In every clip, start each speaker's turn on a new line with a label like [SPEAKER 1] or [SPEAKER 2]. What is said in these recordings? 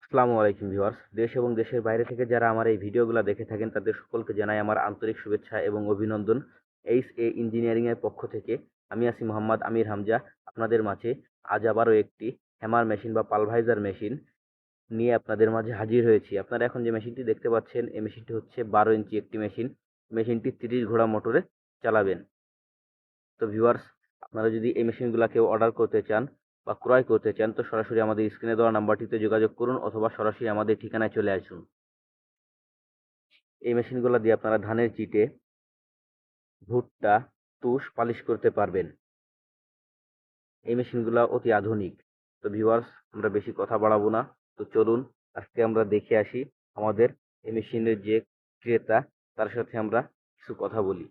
[SPEAKER 1] আসসালামু আলাইকুম ভিউয়ার্স। দেশ এবং দেশের বাইরে থেকে যারা আমার এই ভিডিওগুলো দেখে থাকেন তাদের সকলকে জানাই আমার আন্তরিক শুভেচ্ছা এবং অভিনন্দন। এইচ ইঞ্জিনিয়ারিং এর পক্ষ থেকে আমি আছি মোহাম্মদ আমির হামজা, আপনাদের মাঝে আজ আবারও একটি হ্যামার মেশিন বা পালভাইজার মেশিন নিয়ে আপনাদের মাঝে হাজির হয়েছি। আপনারা এখন যে মেশিনটি দেখতে পাচ্ছেন এই মেশিনটি হচ্ছে 12 ইঞ্চি একটি মেশিন। মেশিনটি 30 ঘোড়া মোটরে চালাবেন। তো ভিউয়ার্স, আপনারা যদি এই মেশিনগুলো কেউ অর্ডার করতে চান বা ক্রয় করতে চান তো সরাসরি আমাদের স্ক্রিনে দেওয়া নাম্বারটিতে যোগাযোগ করুন অথবা সরাসরি আমাদের ঠিকানায় চলে আসুন। এই মেশিনগুলো দিয়ে আপনারা ধানের চিটে, ভুট্টা, তুষ পালিশ করতে পারবেন। এই মেশিনগুলো অতি আধুনিক। তো ভিউয়ার্স, আমরা বেশি কথা বাড়াবো না। তো চলুন আজকে আমরা দেখে আসি আমাদের এই মেশিনের যে ক্রেতা তার সাথে আমরা কিছু কথা বলি।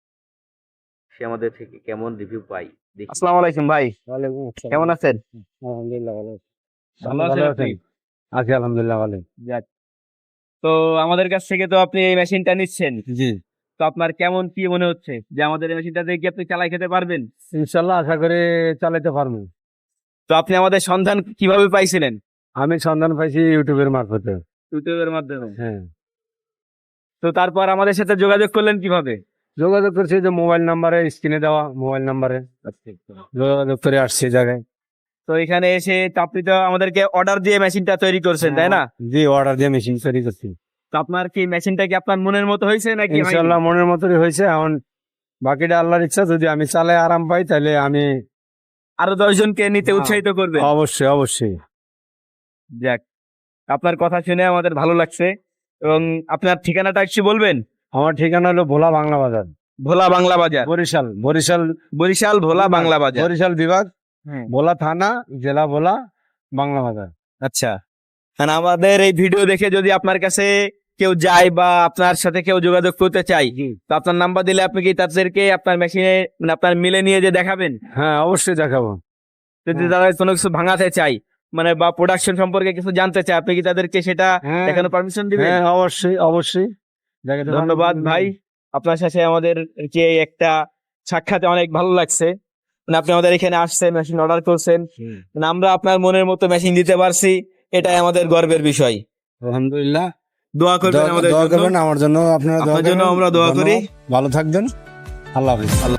[SPEAKER 1] সে আমাদের থেকে কেমন রিভিউ পাই দেখি।
[SPEAKER 2] আসসালামু আলাইকুম ভাই,
[SPEAKER 3] ওয়ালাইকুম আসসালাম।
[SPEAKER 2] কেমন আছেন?
[SPEAKER 3] আলহামদুলিল্লাহ ভালো আছি।
[SPEAKER 2] ভালো আছেন আপনি?
[SPEAKER 3] আছি আলহামদুলিল্লাহ ভালো।
[SPEAKER 2] যাক। তো আমাদের কাছ থেকে তো আপনি এই মেশিনটা নিচ্ছেন,
[SPEAKER 3] জি,
[SPEAKER 2] তো আপনার কেমন কি মনে হচ্ছে যে আমাদের এই মেশিনটা দিয়ে কি আপনি চালাই খেতে পারবেন?
[SPEAKER 3] ইনশাল্লাহ আশা করে চালাতে পারবো।
[SPEAKER 2] তো আপনি আমাদের সন্ধান কিভাবে পাইছিলেন?
[SPEAKER 3] আমি সন্ধান পাইছি ইউটিউবের মারফতে।
[SPEAKER 2] ইউটিউবের মাধ্যমে।
[SPEAKER 3] হ্যাঁ,
[SPEAKER 2] তো তারপর আমাদের সাথে যোগাযোগ করলেন কিভাবে?
[SPEAKER 3] যোগাযোগ করছি যে মোবাইল নাম্বারে, স্ক্রিনে দেওয়া মোবাইল নাম্বারে যোগাযোগ করে আসছে জায়গায়।
[SPEAKER 2] তো এখানে এসে তো আপনি তো আমাদেরকে অর্ডার দিয়ে মেশিনটা তৈরি করছেন, তাই না?
[SPEAKER 3] জি, অর্ডার দিয়ে মেশিন তৈরি করছি।
[SPEAKER 2] তো আপনার কি মেশিনটা কি আপনার মনের মতো হয়েছে নাকি হয়নি?
[SPEAKER 3] ইনশাল্লাহ মনের মতোই হয়েছে। এখন বাকিটা আল্লাহর ইচ্ছা, যদি আমি চালাই আরাম পাই তাহলে আমি
[SPEAKER 2] আরো 10 জনকে নিতে উৎসাহিত করবেন।
[SPEAKER 3] অবশ্যই অবশ্যই।
[SPEAKER 2] যাক, আপনার কথা শুনে আমাদের ভালো লাগছে। এবং আপনার ঠিকানাটা একটু বলবেন?
[SPEAKER 3] আমার ঠিকানা হলো ভোলা বাংলা বাজার,
[SPEAKER 2] ভোলা বাংলা বাজার,
[SPEAKER 3] বরিশাল। বরিশাল,
[SPEAKER 2] বরিশাল ভোলা বাংলা বাজার।
[SPEAKER 3] বরিশাল বিভাগ,
[SPEAKER 2] হ্যাঁ।
[SPEAKER 3] ভোলা থানা, জেলা ভোলা, বাংলা বাজার।
[SPEAKER 2] আচ্ছা, মানে আমাদের এই ভিডিও দেখে যদি আপনার কাছে কেউ যায় বা আপনার সাথে কেউ যোগাযোগ করতে চাই, তো আপনার নাম্বার দিলে আপনি কি তাদেরকে আপনার মেশিনে মানে আপনার মিলে নিয়ে যে দেখাবেন?
[SPEAKER 3] হ্যাঁ, অবশ্যই দেখাবো।
[SPEAKER 2] যদি তারা কোনো কিছু ভাঙাতে চাই মানে বা প্রোডাকশন সম্পর্কে কিছু জানতে চায়, আপনি কি তাদেরকে সেটা
[SPEAKER 3] হ্যাঁ,
[SPEAKER 2] দেখানোর পারমিশন দিবেন?
[SPEAKER 3] হ্যাঁ, অবশ্যই অবশ্যই দেখাতে পারবো।
[SPEAKER 2] ধন্যবাদ ভাই, আপনার সাথে আমাদের যে একটা সাক্ষাতে অনেক ভালো লাগছে। মানে আপনি আমাদের এখানে আসছেন, মেশিন অর্ডার করছেন, মানে আমরা আপনার মনের মতো মেশিন দিতে পারছি, এটাই আমাদের গর্বের বিষয়।
[SPEAKER 3] আলহামদুলিল্লাহ।
[SPEAKER 2] দোয়া করবেন আমাদের
[SPEAKER 3] দোয়া
[SPEAKER 2] জন্য।
[SPEAKER 3] করবেন আমার জন্য, আপনারা দোয়া
[SPEAKER 2] আপনার জন্য
[SPEAKER 3] করবেন।
[SPEAKER 2] আমরা দোয়া করি।
[SPEAKER 3] ভালো থাকবেন। আল্লাহ হাফেজ।